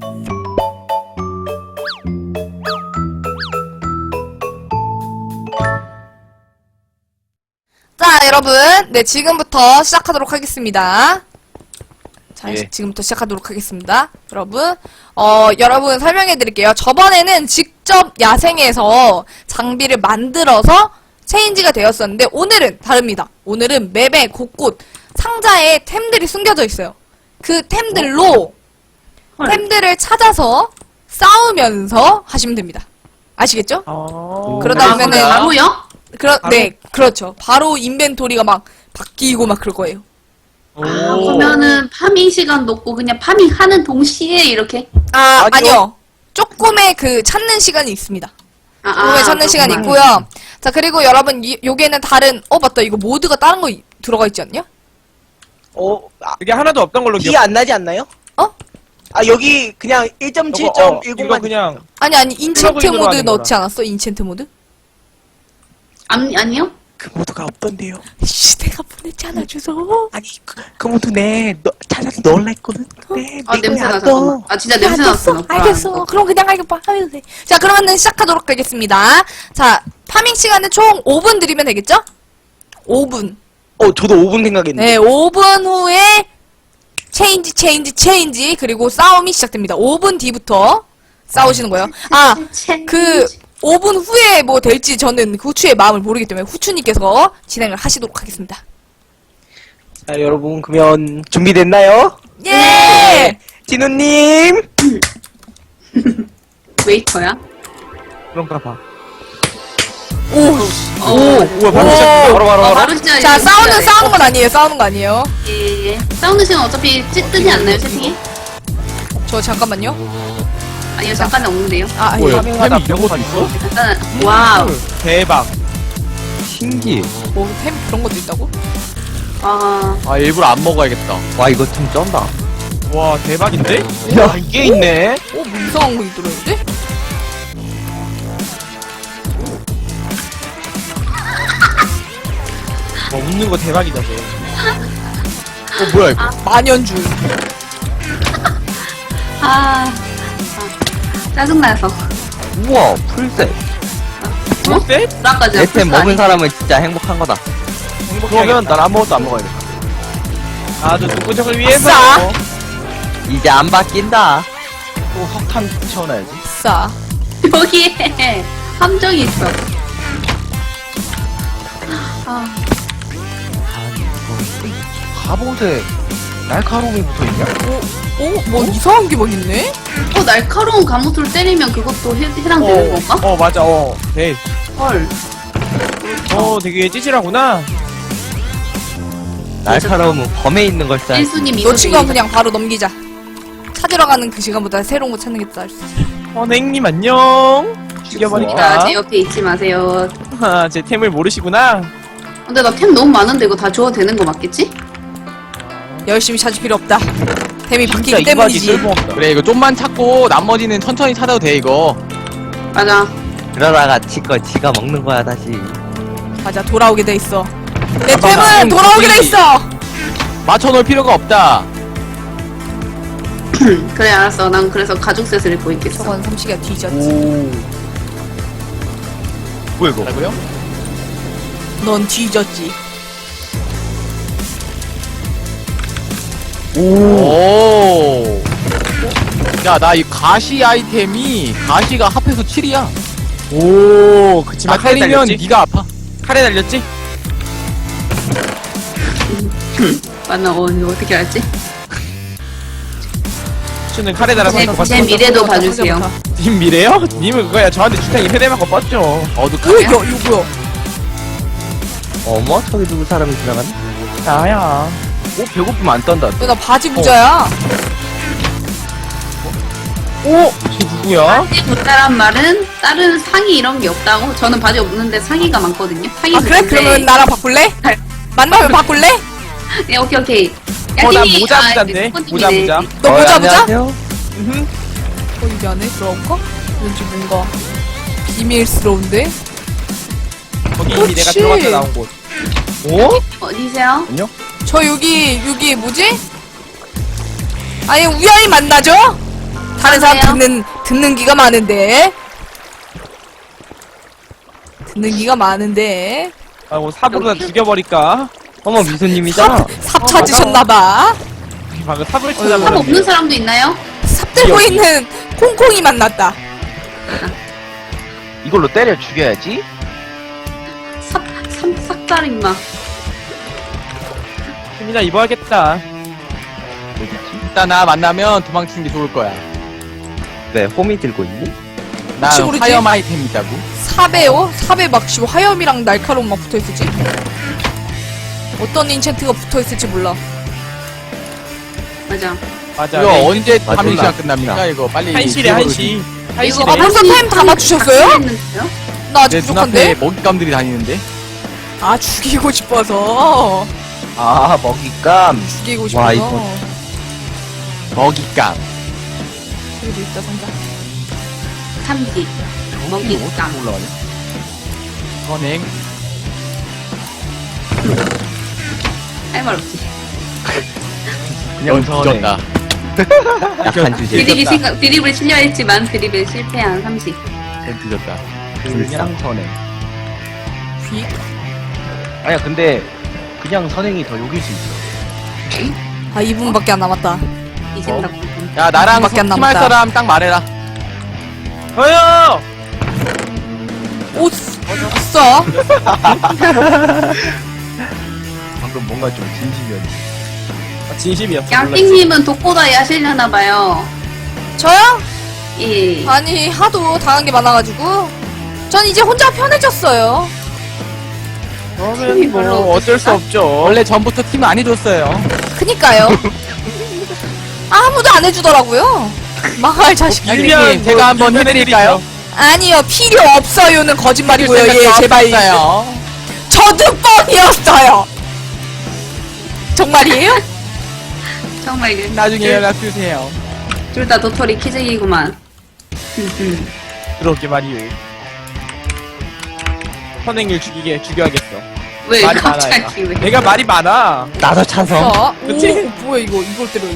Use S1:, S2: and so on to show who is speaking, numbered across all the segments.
S1: 자, 여러분. 네, 지금부터 시작하도록 하겠습니다. 자,
S2: 예.
S1: 지금부터 시작하도록 하겠습니다. 여러분. 여러분 설명해 드릴게요. 저번에는 직접 야생에서 장비를 만들어서 체인지가 되었었는데, 오늘은 다릅니다. 오늘은 맵의 곳곳 상자에 템들이 숨겨져 있어요. 그 템들로 템들을 찾아서 싸우면서 하시면 됩니다. 아시겠죠? 그러다 보면은
S3: 바로요?
S1: 네, 그렇죠. 바로 인벤토리가 막 바뀌고 막 그럴 거예요.
S3: 그러면은 파밍 시간도 없고 그냥 파밍하는 동시에 이렇게
S1: 아니요. 조금의 그 찾는 시간이 있습니다. 조금의 찾는 시간이
S3: 그렇구만.
S1: 있고요. 자, 그리고 여러분 요게는 다른 맞다. 이거 모드가 다른 거 들어가 있지 않냐?
S2: 그게 하나도 없던 걸로
S4: 티 안 나지 않나요?
S1: 어?
S4: 여기 그냥 1.7.10만
S2: 이거 그냥
S1: 아니 인챈트
S2: 플러그인으로
S1: 모드
S2: 하는
S1: 넣지 않았어? 인챈트 모드?
S3: 아니요?
S4: 그 모드가 없던데요.
S1: 씨, 내가 보냈잖아, 주소.
S4: 아니 그 모드 찾아서 넣으려했거든. 근데
S3: 냄새나 잠깐만. 진짜 냄새 났어.
S1: 알겠어. 그럼 그냥 알겠봐. 하면 돼. 자, 그러면은 시작하도록 하겠습니다. 자, 파밍 시간은 총 5분 드리면 되겠죠? 5분.
S4: 저도 5분 생각했는데.
S1: 네, 5분 후에 체인지 그리고 싸움이 시작됩니다. 5분 뒤부터 싸우시는 거예요. 그 5분 후에 뭐 될지 저는 후추의 마음을 모르기 때문에 후추님께서 진행을 하시도록 하겠습니다.
S4: 자, 여러분 그러면 준비됐나요?
S1: 예!
S4: 진우님.
S3: 웨이터야?
S2: 그런가 봐.
S1: 오,
S2: 바로 시작. 바로.
S3: 진짜
S1: 자, 싸우는 건 아니에요. 싸우는 거 아니에요.
S3: 예. 싸우는 시간 어차피 뜨지 않나요, 채팅에?
S1: 저 잠깐만요.
S3: 아니요, 잠깐은 없는데요.
S1: 아니요.
S2: 템이 이런 것도 있어?
S3: 일단은 와우.
S2: 대박.
S5: 신기.
S1: 템 그런 것도 있다고?
S5: 일부러 안 먹어야겠다. 와, 이거 좀 쩐다.
S2: 와 대박인데? 야 이게 있네.
S1: 뭐 이상한 거 들어있는데?
S2: 와 웃는 거 대박이다 쟤.
S5: 뭐야, 이거.
S1: 만연줄.
S3: 짜증나서.
S5: 우와, 풀셋.
S2: 풀셋?
S3: 불안까지.
S5: 애템 먹은 사람은 진짜 행복한 거다.
S2: 그러면 난 아무것도 안 먹어야겠다. 아주 누구적을 위해서.
S1: 싸.
S5: 이제 안 바뀐다.
S2: 또 석탄 채워놔야지.
S1: 싸.
S3: 여기에 함정이 있어.
S5: 갑옷에 날카로움이 붙어있냐?
S1: 뭐 이상한 게 막 있네?
S3: 날카로운 감옷을 때리면 그것도 해당되는 건가?
S2: 맞아. 네.
S3: 헐.
S2: 되게 찌질하구나.
S5: 날카로움은 범에 있는 걸 써야지.
S3: 일수님,
S1: 너 친구는
S3: 이수님.
S1: 그냥 바로 넘기자. 찾으러 가는 그 시간보다 새로운 거 찾는 게 더 나을 수 있어.
S2: 냉님 안녕. 죽여버릴까?
S3: 제 옆에 있지 마세요.
S2: 제 템을 모르시구나.
S3: 근데 나 템 너무 많은데 이거 다 줘도 되는 거 맞겠지?
S1: 열심히 찾을 필요 없다. 템이
S2: 진짜
S1: 바뀌기
S2: 이박이
S1: 때문이지.
S2: 쓸모없다.
S6: 그래 이거 좀만 찾고 나머지는 천천히 찾아도 돼 이거.
S3: 맞아.
S5: 그러다가 지가 먹는 거야, 다시.
S1: 맞아, 돌아오게 돼 있어. 내
S6: 맞아.
S1: 템은
S6: 지금
S1: 돌아오게 돼
S6: 거기-
S1: 있어.
S6: 맞춰놓을 필요가 없다.
S3: 그래 알았어. 난 그래서 가죽셋을 입고 있겠어.
S1: 저건 삼식이가 뒤졌지.
S2: 뭐야 이거?
S6: 뭐라고요?
S1: 넌 뒤졌지.
S6: 오. 야, 나 이 가시 아이템이 가시가 합해서 7이야.
S2: 오, 그치만 칼에
S6: 때리면
S2: 달렸지?
S6: 네가 아파.
S2: 칼에 달렸지?
S3: 맞나? 이거 어떻게 알지?
S2: 수는 칼에 달아서
S3: 제 미래도 봐주세요.
S2: 님 미래요? 님은 그거야 저한테 주탄 2세대 맞고 뻗죠.
S6: 어둑하네.
S1: 이거 뭐야?
S5: 어머, 저기 누구 사람이 지나가네?
S2: 나야.
S6: 배고프면 안 떤다.
S1: 나 바지 부자야.
S2: 쟤 누구야?
S3: 바지 붙다란 말은 다른 상의 이런 게 없다고? 저는 바지 없는데 상의가 많거든요. 상의
S1: 아, 그래?
S3: 붙는데-
S1: 그러면 나랑 바꿀래? 만나면 바꿀래?
S3: 네, 오케이.
S2: 난
S3: 야팀이-
S2: 모자
S3: 아,
S2: 부자인데?
S3: 그
S2: 모자
S3: 폰님이네.
S2: 부자.
S1: 너 모자 부자?
S5: 안녕하세요.
S1: 여기 안에 들어갈까? 왠지 뭔가 비밀스러운데?
S2: 거기 이미 내가
S1: 그치.
S2: 들어갔다 나온 곳.
S5: 오?
S3: 어디세요?
S1: 저 여기 뭐지? 아니 우연히 만나죠? 하는 사람 듣는 기가 많은데. 듣는 기가 많은데.
S2: 아, 뭐 삽으로 다 죽여버릴까?
S4: 어머 미소님이잖아.
S1: 삽 찾으셨나봐.
S2: 방금 삽을
S3: 삽
S2: 찾아버렸네.
S3: 없는 사람도 있나요?
S1: 삽 들고
S2: 여기.
S1: 있는 콩콩이 만났다.
S6: 이걸로 때려 죽여야지.
S3: 삭달 임마.
S2: 템이나 입어야겠다.
S6: 일단 나 만나면 도망치는 게 좋을 거야.
S4: 왜 홈이 들고 있니?
S6: 나
S1: 혹시 모르지?
S6: 화염 아이템 있다고.
S1: 삽에요? 삽에 막 화염이랑 날카로움 막 붙어있을지? 어떤 인챈트가 붙어있을지 몰라.
S3: 맞아.
S2: 맞아.
S6: 이거
S2: 네.
S6: 언제
S4: 맞아.
S6: 파밍 시간 끝납니까? 이거 빨리.
S2: 1시래, 1시.
S1: 아
S2: 1시래.
S1: 벌써 타임 다 맞추셨어요?
S3: 했는데요?
S1: 나 아직
S6: 내 눈앞에
S1: 부족한데?
S6: 먹잇감들이 다니는데.
S1: 아 죽이고 싶어서.
S4: 아 먹잇감.
S1: 죽이고
S4: 와,
S1: 싶어서.
S4: 이거-
S6: 먹잇감.
S1: 여기도 있다 상자.
S3: 삼지. 먹잇감.
S6: 올라가네. 선행.
S3: 할 말 없지.
S6: 그냥 뒤졌다.
S4: 약한 주제.
S3: 드립을 치려 했지만 드립에 실패한 삼식.
S6: 그냥 뒤졌다.
S4: 그냥 선행.
S1: 휙.
S6: 아니야 근데 그냥 선행이 더 욕일 수 있어.
S1: 아 2분밖에 안 남았다.
S3: 이젠다고.
S6: 야 나랑
S1: 밖에 안
S6: 팀할
S1: 남았다.
S6: 사람 딱 말해라.
S2: 저요!
S1: 오, 없어.
S6: 방금 뭔가 좀 진심이었네.
S2: 아, 진심이었어.
S3: 양띵님은 독고다이 하시려나봐요.
S1: 저요?
S3: 예.
S1: 아니 하도 당한 게 많아가지고 전 이제 혼자 편해졌어요.
S2: 그러면
S3: 별로
S2: 뭐 어쩔 수 없죠.
S6: 원래 전부터 팀 안 해줬어요.
S1: 그니까요. 아무도 안 해주더라고요. 망할 자식.
S2: 밀면
S6: 양띵님 제가 한번
S2: 밀면
S6: 해드릴까요?
S1: 아니요 필요 없어요는 거짓말이고요. 예 제발.
S6: 없어요.
S1: 저도 뻥이었어요. 정말이에요?
S3: 정말 그
S6: 나중에 연락 주세요.
S3: 둘 다 도토리 키즈이구만.
S2: 그러게 말이요. 선행을 죽여야겠어.
S3: 왜
S2: 말이 많아.
S3: 갑자기 왜?
S2: 내가 말이 많아.
S4: 나도 찬성.
S1: 자,
S2: 그치?
S1: 오 뭐야 이걸 때려야지.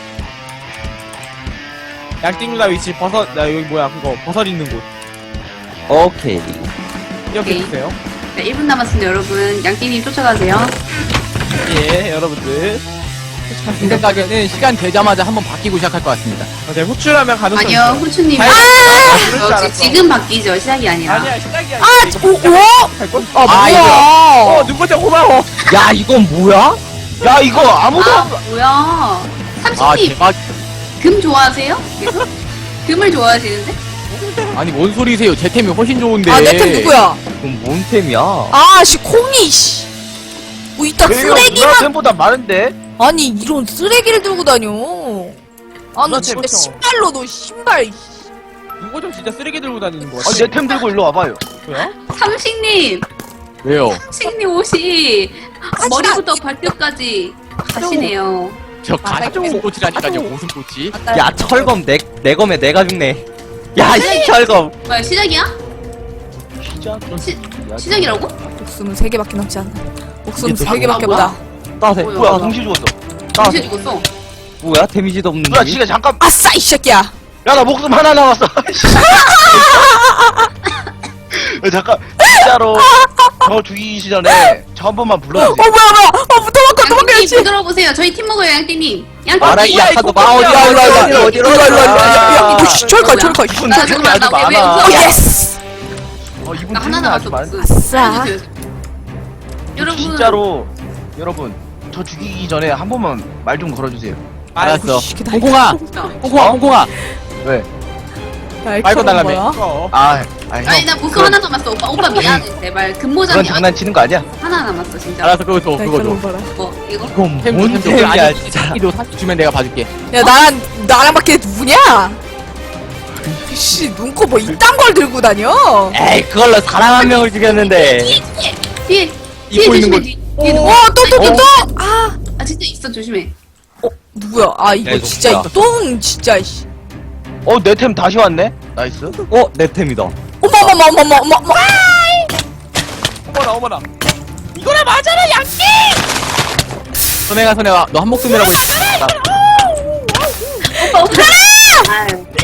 S2: 양띵 누나 위치 버섯, 나 여기 뭐야, 그거, 버섯 있는 곳.
S4: 오케이.
S2: 기억해주세요.
S3: 네, 1분 남았습니다, 여러분. 양띵님 쫓아가세요.
S2: 예, 여러분들.
S6: 제 생각에는 시간 되자마자 한번 바뀌고 시작할 것 같습니다.
S2: 제가 후출하면 가능성
S3: 아니요,
S2: 있어요.
S3: 후추님.
S2: 그럴 줄 알았어.
S3: 지금 바뀌죠, 시작이 아니라.
S2: 아니야, 시작이 아니야.
S1: 오? 아
S6: 아,
S1: 뭐야?
S2: 눈꽃장 고마워.
S4: 야 이건 뭐야?
S6: 야 이거 아무도
S3: 아, 뭐야.
S6: 아
S3: 삼식님,
S6: 대박.
S3: 금 좋아하세요? 계속? 금을 좋아하시는데?
S6: 아니 뭔 소리세요? 제 템이 훨씬 좋은데.
S1: 아 내 템 누구야?
S4: 이건 뭔 템이야?
S1: 아씨 콩이 씨. 뭐 이따 쓰레기만.
S6: 템보다 많은데.
S1: 아니 이런 쓰레기를 들고 다녀. 아 너
S2: 누나
S1: 진짜
S2: 템
S1: 신발로 너 신발.
S2: 눈꽃장 진짜 쓰레기 들고 다니는 거
S6: 아,
S2: 같아.
S6: 내 템 들고 일로 와봐요.
S2: 뭐야?
S3: 삼식님!
S6: 왜요?
S3: 삼식님 옷이 머리부터 발끝까지 가시네요.
S6: 저 가시 무슨 꽃이라니까요. 무슨 꽃이?
S4: 야 철검 내 검에 내가 죽네. 야 이 철검.
S3: 뭐야, 시작이야?
S6: 시작.
S3: 시작이라고?
S1: 목숨은 3개밖에 남지 않아. 목숨
S4: 이게
S1: 3개밖에
S3: 뭐야?
S1: 없다.
S4: 따세.
S3: 뭐야?
S6: 뭐야 동시 죽었어.
S3: 동시에 죽었어.
S4: 뭐야 데미지도 없는
S6: 누나
S4: 놈이?
S6: 지금 잠깐.
S1: 아싸 이 새끼야.
S6: 야 나 목숨 하나 남았어. 야, 잠깐 진짜로 저 죽이기 전에 저 한 번만 불러주세요.
S1: 뭐야 도망가
S3: 양띵님
S1: 도망가야지.
S3: 부드러보세요. 저희 팀 먹어요, 양띵님. 양띵님.
S4: 말하기
S2: 야,
S4: 약하도
S2: 이거
S4: 마
S2: 뭐야?
S4: 어디로
S1: 야, 철가.
S3: 나 잠깐만, 나 왜
S1: 오
S3: 웃어?
S1: 예스.
S6: 이분
S3: 나 하나
S6: 템이 아주
S3: 남았어.
S6: 많.
S1: 아싸.
S3: 여러분.
S6: 진짜로 여러분 저 죽이기 전에 한 번만 말 좀 걸어주세요. 알았어.
S1: 시키다.
S6: 홍콩아, 홍콩아, 홍콩아. 왜? 말고 달라며.
S2: 어.
S3: 아니,
S6: 형.
S3: 나 목숨 하나 남았어. 오빠 미안해. 제발.
S6: 그런
S3: 금모장이
S6: 장난치는 거 아니야?
S3: 하나 남았어, 진짜.
S6: 알았어, 그거 줘, 그거 줘.
S3: 뭐, 이거?
S4: 이건
S6: 템
S4: 뭔
S6: 줘,
S4: 템이야
S6: 아니,
S4: 진짜.
S6: 이도 사실 주면 내가 봐줄게.
S1: 야 나랑밖에 누구냐? 씨 눈코 뭐 이딴 걸 들고 다녀?
S4: 에이 그걸로 사람 한 명을 죽였는데.
S3: 뒤에
S6: 입고 있는
S3: 조심해.
S6: 거.
S3: 뒤에 누구?
S1: 어또또또또 아
S3: 진짜 있어, 조심해.
S1: 누구야? 아 이거
S4: 야, 이거
S1: 진짜
S4: 뭐야?
S1: 이 똥 진짜 씨.
S6: 내 템 다시 왔네. 나이스.
S4: 내 템이다.
S1: 어머머머머머머.
S2: 어머나.
S6: 선행아, 너 한 목숨이라고 했어.
S3: 오빠. 아유.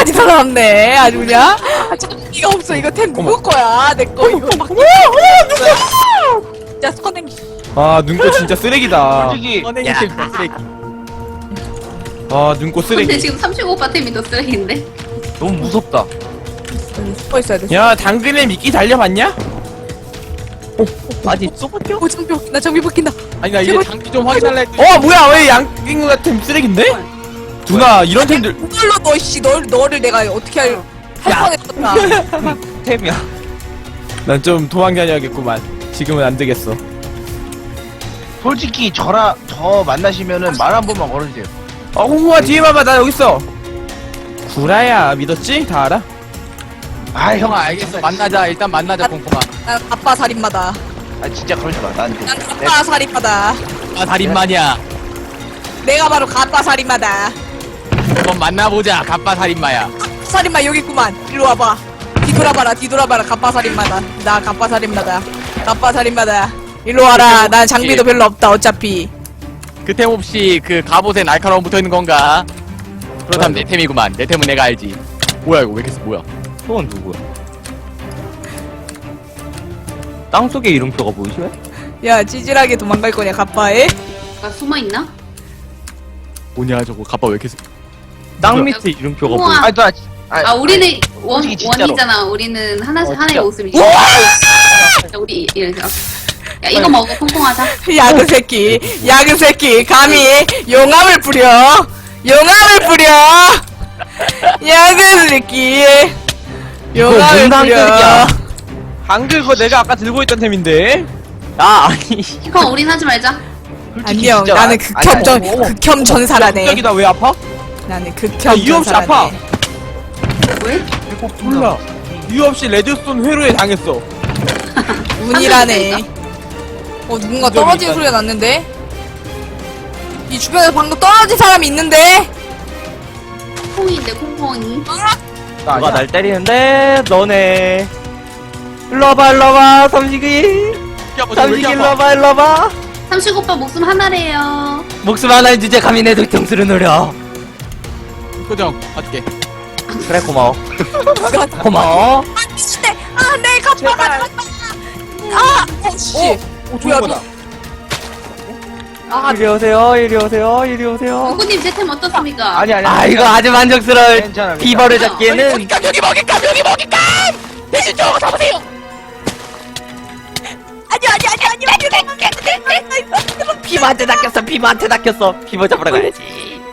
S1: 끝까지 살아남네. 아주 그냥. 이가 없어. 이거 템 누구 거야? 내 거 이거 막. 진짜 선행.
S2: 아 눈꽃 진짜 쓰레기다.
S6: 솔직히
S2: 선행이 진짜 쓰레기. 아 눈꽃
S3: 근데
S2: 쓰레기.
S3: 지금 35바 템이 더 쓰레기인데?
S6: 너무 무섭다.
S1: 숨어 있어야 돼.
S2: 야 당근에 미끼 달려봤냐?
S4: 아니 쏘버텨?
S1: 오 장비. 나 장비 바뀐다.
S2: 아니 나 이제
S1: 제발.
S2: 장비 좀 확인할래 했더니 뭐야 왜 양갱 같은 쓰레기인데? 누나 이런 템들
S1: 그걸로 너를 내가 어떻게 할 뻔했었다.
S4: 템이야.
S2: 난 좀 도망 다녀야겠구만. 지금은 안 되겠어.
S6: 솔직히 저 만나시면은 말 한 번만 걸어주세요.
S2: 홍콩아 뒤에 봐봐 나 여기 있어. 구라야 믿었지? 다 알아?
S6: 아
S5: 형아 알겠어. 만나자. 일단 만나자 콩콩아.
S1: 난 아빠 살인마다.
S6: 아 진짜 그러지 마. 난 좀.
S1: 난 아빠 살인마다.
S5: 아 달인마냐.
S1: 내가 바로 가빠 살인마다.
S5: 한번 만나보자. 갑바 살인마야.
S1: 살인마 여기 있구만. 일로 와봐. 뒤돌아봐라. 가빠 살인마다. 나 가빠 살인마다. 가빠 살인마다. 일로 와라. 난 장비도 별로 없다. 어차피.
S5: 그 템 없이 그 갑옷에 날카로움 붙어 있는 건가? 그렇다면 내 템이구만. 내 템은 내가 알지. 뭐야 이거 왜 이렇게 뭐야?
S4: 그건 누구야? 땅속에 이름표가 보이시네?
S1: 야 찌질하게 도망갈 거냐 가빠에?
S3: 나 숨어있나?
S5: 뭐냐 저거 갑바 왜 이렇게
S4: 땅 밑에 이름표가
S3: 우와.
S4: 보이.
S3: 아 우리는
S6: 솔직히 진짜로.
S3: 원이잖아. 우리는 하나의
S6: 진짜.
S3: 모습이지. 우리 이렇게. 야 이거 먹어 콩콩하자.
S1: 야그 새끼 감히 용암을 뿌려. 야그 새끼 용암을 뿌려.
S2: 방금 그거 내가 아까 들고 있던 템인데.
S4: 아 아니.
S3: 형 우린 하지 말자.
S6: 솔직히
S1: 안녕.
S6: 진짜
S1: 나는
S6: 아니,
S1: 극혐 전사라네.
S2: 갑자기 나 왜 아파?
S1: 나는
S2: 나
S1: 극혐
S2: 이유 없이
S1: 전사라네.
S2: 아파.
S3: 왜?
S2: 몰라. 이유 없이 레드스톤 회로에 당했어.
S1: 운이라네. 누군가 떨어지는 소리가 났는데? 이 주변에서 방금 떨어진 사람이 있는데?
S3: 콩콩인데 콩콩이.
S2: 나
S4: 누가
S2: 아니야.
S4: 날 때리는데 너네. 일로 와봐 삼식이. 삼식이 일로 와봐.
S3: 35바 목숨 하나래요.
S4: 목숨 하나인 주제 감히 내 뒤통수를 노려.
S5: 표정 봐줄게.
S4: 그래 고마워. 고마워.
S1: 미친네! 아, 내 가빠가! 씨! 뭐야,
S2: 거다.
S4: 이리 오세요.
S3: 누구님 제 템 어떻습니까?
S6: 아니.
S4: 아 이거 아주 만족스러울
S6: 괜찮아.
S4: 비버를 잡기에는.
S5: 여기 먹일까 대신 저거 잡으세요.
S4: 비버한테 낚였어. 비버 잡으러 가야지.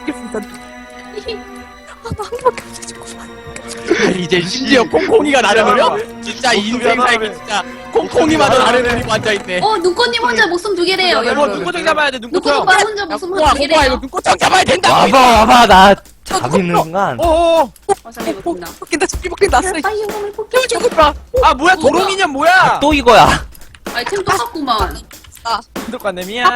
S5: 이제 심지어 콩콩이가 나를 노려? 진짜 인생 살기 진짜 콩콩이마저 나를 노리고 앉아있네.
S3: 눈꽃님 혼자 목숨 두 개래요
S2: 이거
S3: 여러분.
S2: 눈꽃 잡아야 돼. 눈꽃
S3: 눈꽃
S2: 형.
S3: 오빠 혼자 목숨
S5: 콩콩아
S3: 두
S5: 콩콩아 이거
S3: 개래요.
S5: 눈꽃장 잡아야 된다.
S4: 와봐 나 잡히는 순간.
S2: 어어.
S3: 잠깐만.
S1: 바뀐다, 저기 바뀐다, 쓰레기.
S3: 빨리 용감을 폭격.
S2: 저거 봐. 아 뭐야 도롱이년 뭐야?
S4: 또 이거야.
S3: 아이템 똑같구만.
S2: 똑같네 미안.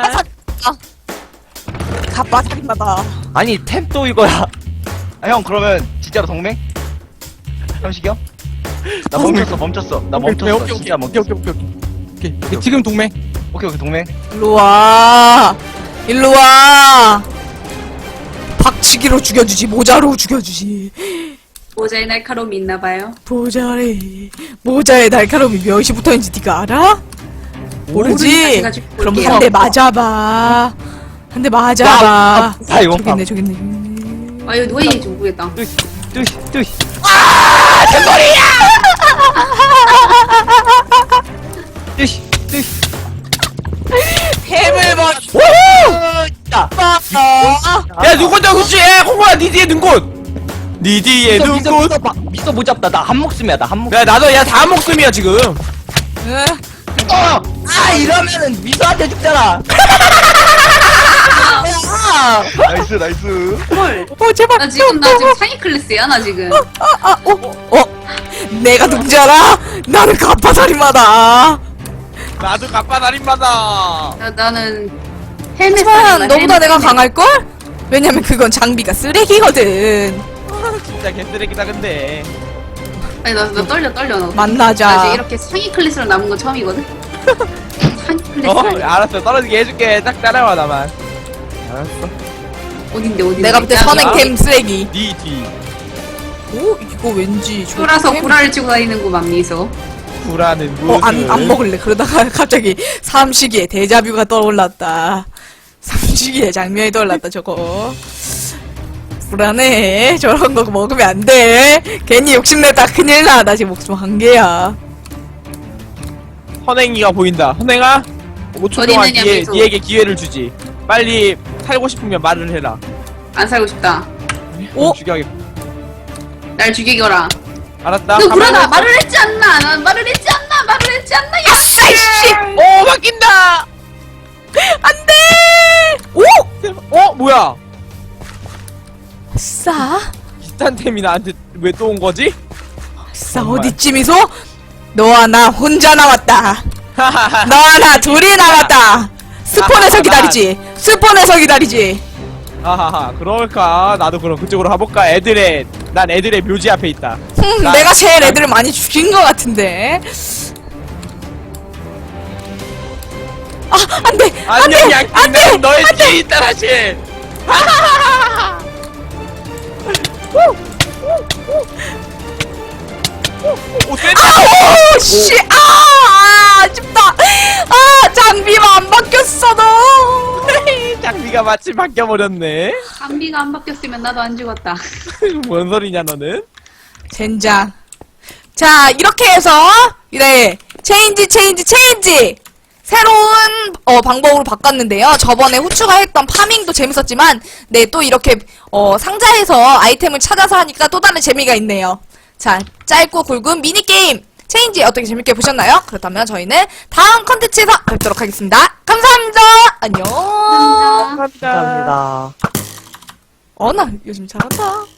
S1: 가빠 살인마다.
S4: 아니 템 또 이거야.
S6: 아, 형 그러면 진짜로 동맹? 형식이 형? 나 멈췄어. 나 멈췄어. 진짜 멈췄어.
S5: 오케이. 지금 동맹.
S6: 오케이 동맹.
S1: 일로 와. 박치기로 죽여주지, 모자로 죽여주지.
S3: 모자에 날카로움이 있나봐요.
S1: 모자에 날카로움이 몇이 붙어있는지 네가 알아? 모르지?
S3: 다시 가지고
S1: 그럼
S3: 올게요.
S1: 한 대 맞아봐.
S4: 다 이거.
S1: 저기 있네.
S3: 아 이거 누가 얘기인지 모르겠다.
S4: 뚜시. 뚜시.
S1: 햄을 먹.
S2: 야 눈꽃 형 그치? 콩콩아 니 뒤에 눈꽃. 니 뒤에 눈꽃.
S4: 미소 못 잡다. 나 한 목숨이야. 나 한 목숨.
S2: 야 나도 야 다 목숨이야 지금.
S4: 아 이러면은 미소한테 죽잖아.
S6: 나이스.
S3: 헐.
S1: 제발.
S3: 나 지금 상위 클래스야 나 지금.
S1: 내가 누군지 알아? 나는 가파살인마다.
S2: 나도 갑바 날인마다.
S3: 나는 헬멧
S1: 하지만
S3: 살인마,
S1: 너보다
S3: 헬멧
S1: 내가
S3: 살인마.
S1: 강할걸? 왜냐면 그건 장비가 쓰레기거든.
S2: 진짜 개쓰레기다 근데.
S3: 아니 나 떨려 나. 나
S1: 만나자.
S3: 이제 이렇게 상위 클래스로 남은 건 처음이거든. 상위 클래스.
S2: 알았어 떨어지게 해줄게. 딱 따라와 나만. 알았어.
S3: 어딘데.
S1: 내가 볼 때
S3: 야,
S1: 선행템 쓰레기.
S2: 니 뒤.
S1: 오, 이거 왠지 좋은
S3: 쫄아서
S1: 템.
S3: 구라를 치고 다니는구만 미소.
S2: 구라는 무슨
S1: 안 먹을래. 그러다가 갑자기 삼식이의 데자뷰가 떠올랐다. 삼식이의 장면이 떠올랐다, 저거. 불안해. 저런 거 먹으면 안 돼. 괜히 욕심내다 큰일 나. 나 지금 목숨 한 개야.
S2: 선행이가 보인다. 선행아 5초
S3: 어디
S2: 동안
S3: 있느냐, 미소.
S2: 니에게 기회를 주지. 빨리 살고 싶으면 말을 해라.
S3: 안 살고 싶다.
S1: 오?
S2: 죽여야겠다.
S3: 날 죽이거라.
S2: 알았다.
S3: 너
S2: 가만히
S3: 구라다.
S2: 있어.
S3: 말을 했지 않나? 난 말을 했지 않나? 말을 했지 않나?
S1: 아싸, 이씨!
S2: 오 바뀐다.
S1: 안 돼! 오!
S2: 뭐야?
S1: 아싸.
S2: 비슷한 템이 나한테 왜 또 온 거지?
S1: 아싸,
S2: 정말.
S1: 어디쯤이소? 너와 나 혼자 남았다. 너와 나 둘이 남았다. 스폰에서 기다리지. 스폰에서 기다리지.
S2: 하하하 그럴까? 나도 그럼 그쪽으로 가볼까? 난 애들의 묘지 앞에 있다.
S1: 내가 제일 애들을 많이 죽인 것 같은데. 아, 안 돼! 안 돼!
S2: 안녕
S1: 안
S2: 양띵
S1: 돼!
S2: 난 너의 뒤에 있다 다시. 오 쎄다.
S1: 아우, 씨! 아쉽다! 아, 장비가 안 바뀌었어, 너!
S2: 장비가 마침 바뀌어버렸네.
S3: 감비가 안 바뀌었으면 나도 안 죽었다.
S2: 뭔 소리냐 너는?
S1: 젠장. 자, 이렇게 해서, 네, 체인지! 새로운, 방법으로 바꿨는데요. 저번에 후추가 했던 파밍도 재밌었지만, 네, 또 이렇게, 상자에서 아이템을 찾아서 하니까 또 다른 재미가 있네요. 자, 짧고 굵은 미니게임, 체인지 어떻게 재밌게 보셨나요? 그렇다면 저희는 다음 컨텐츠에서 뵙도록 하겠습니다. 감사합니다! 안녕!
S3: 감사합니다.
S2: 감사합니다.
S1: 나 요즘 잘한다.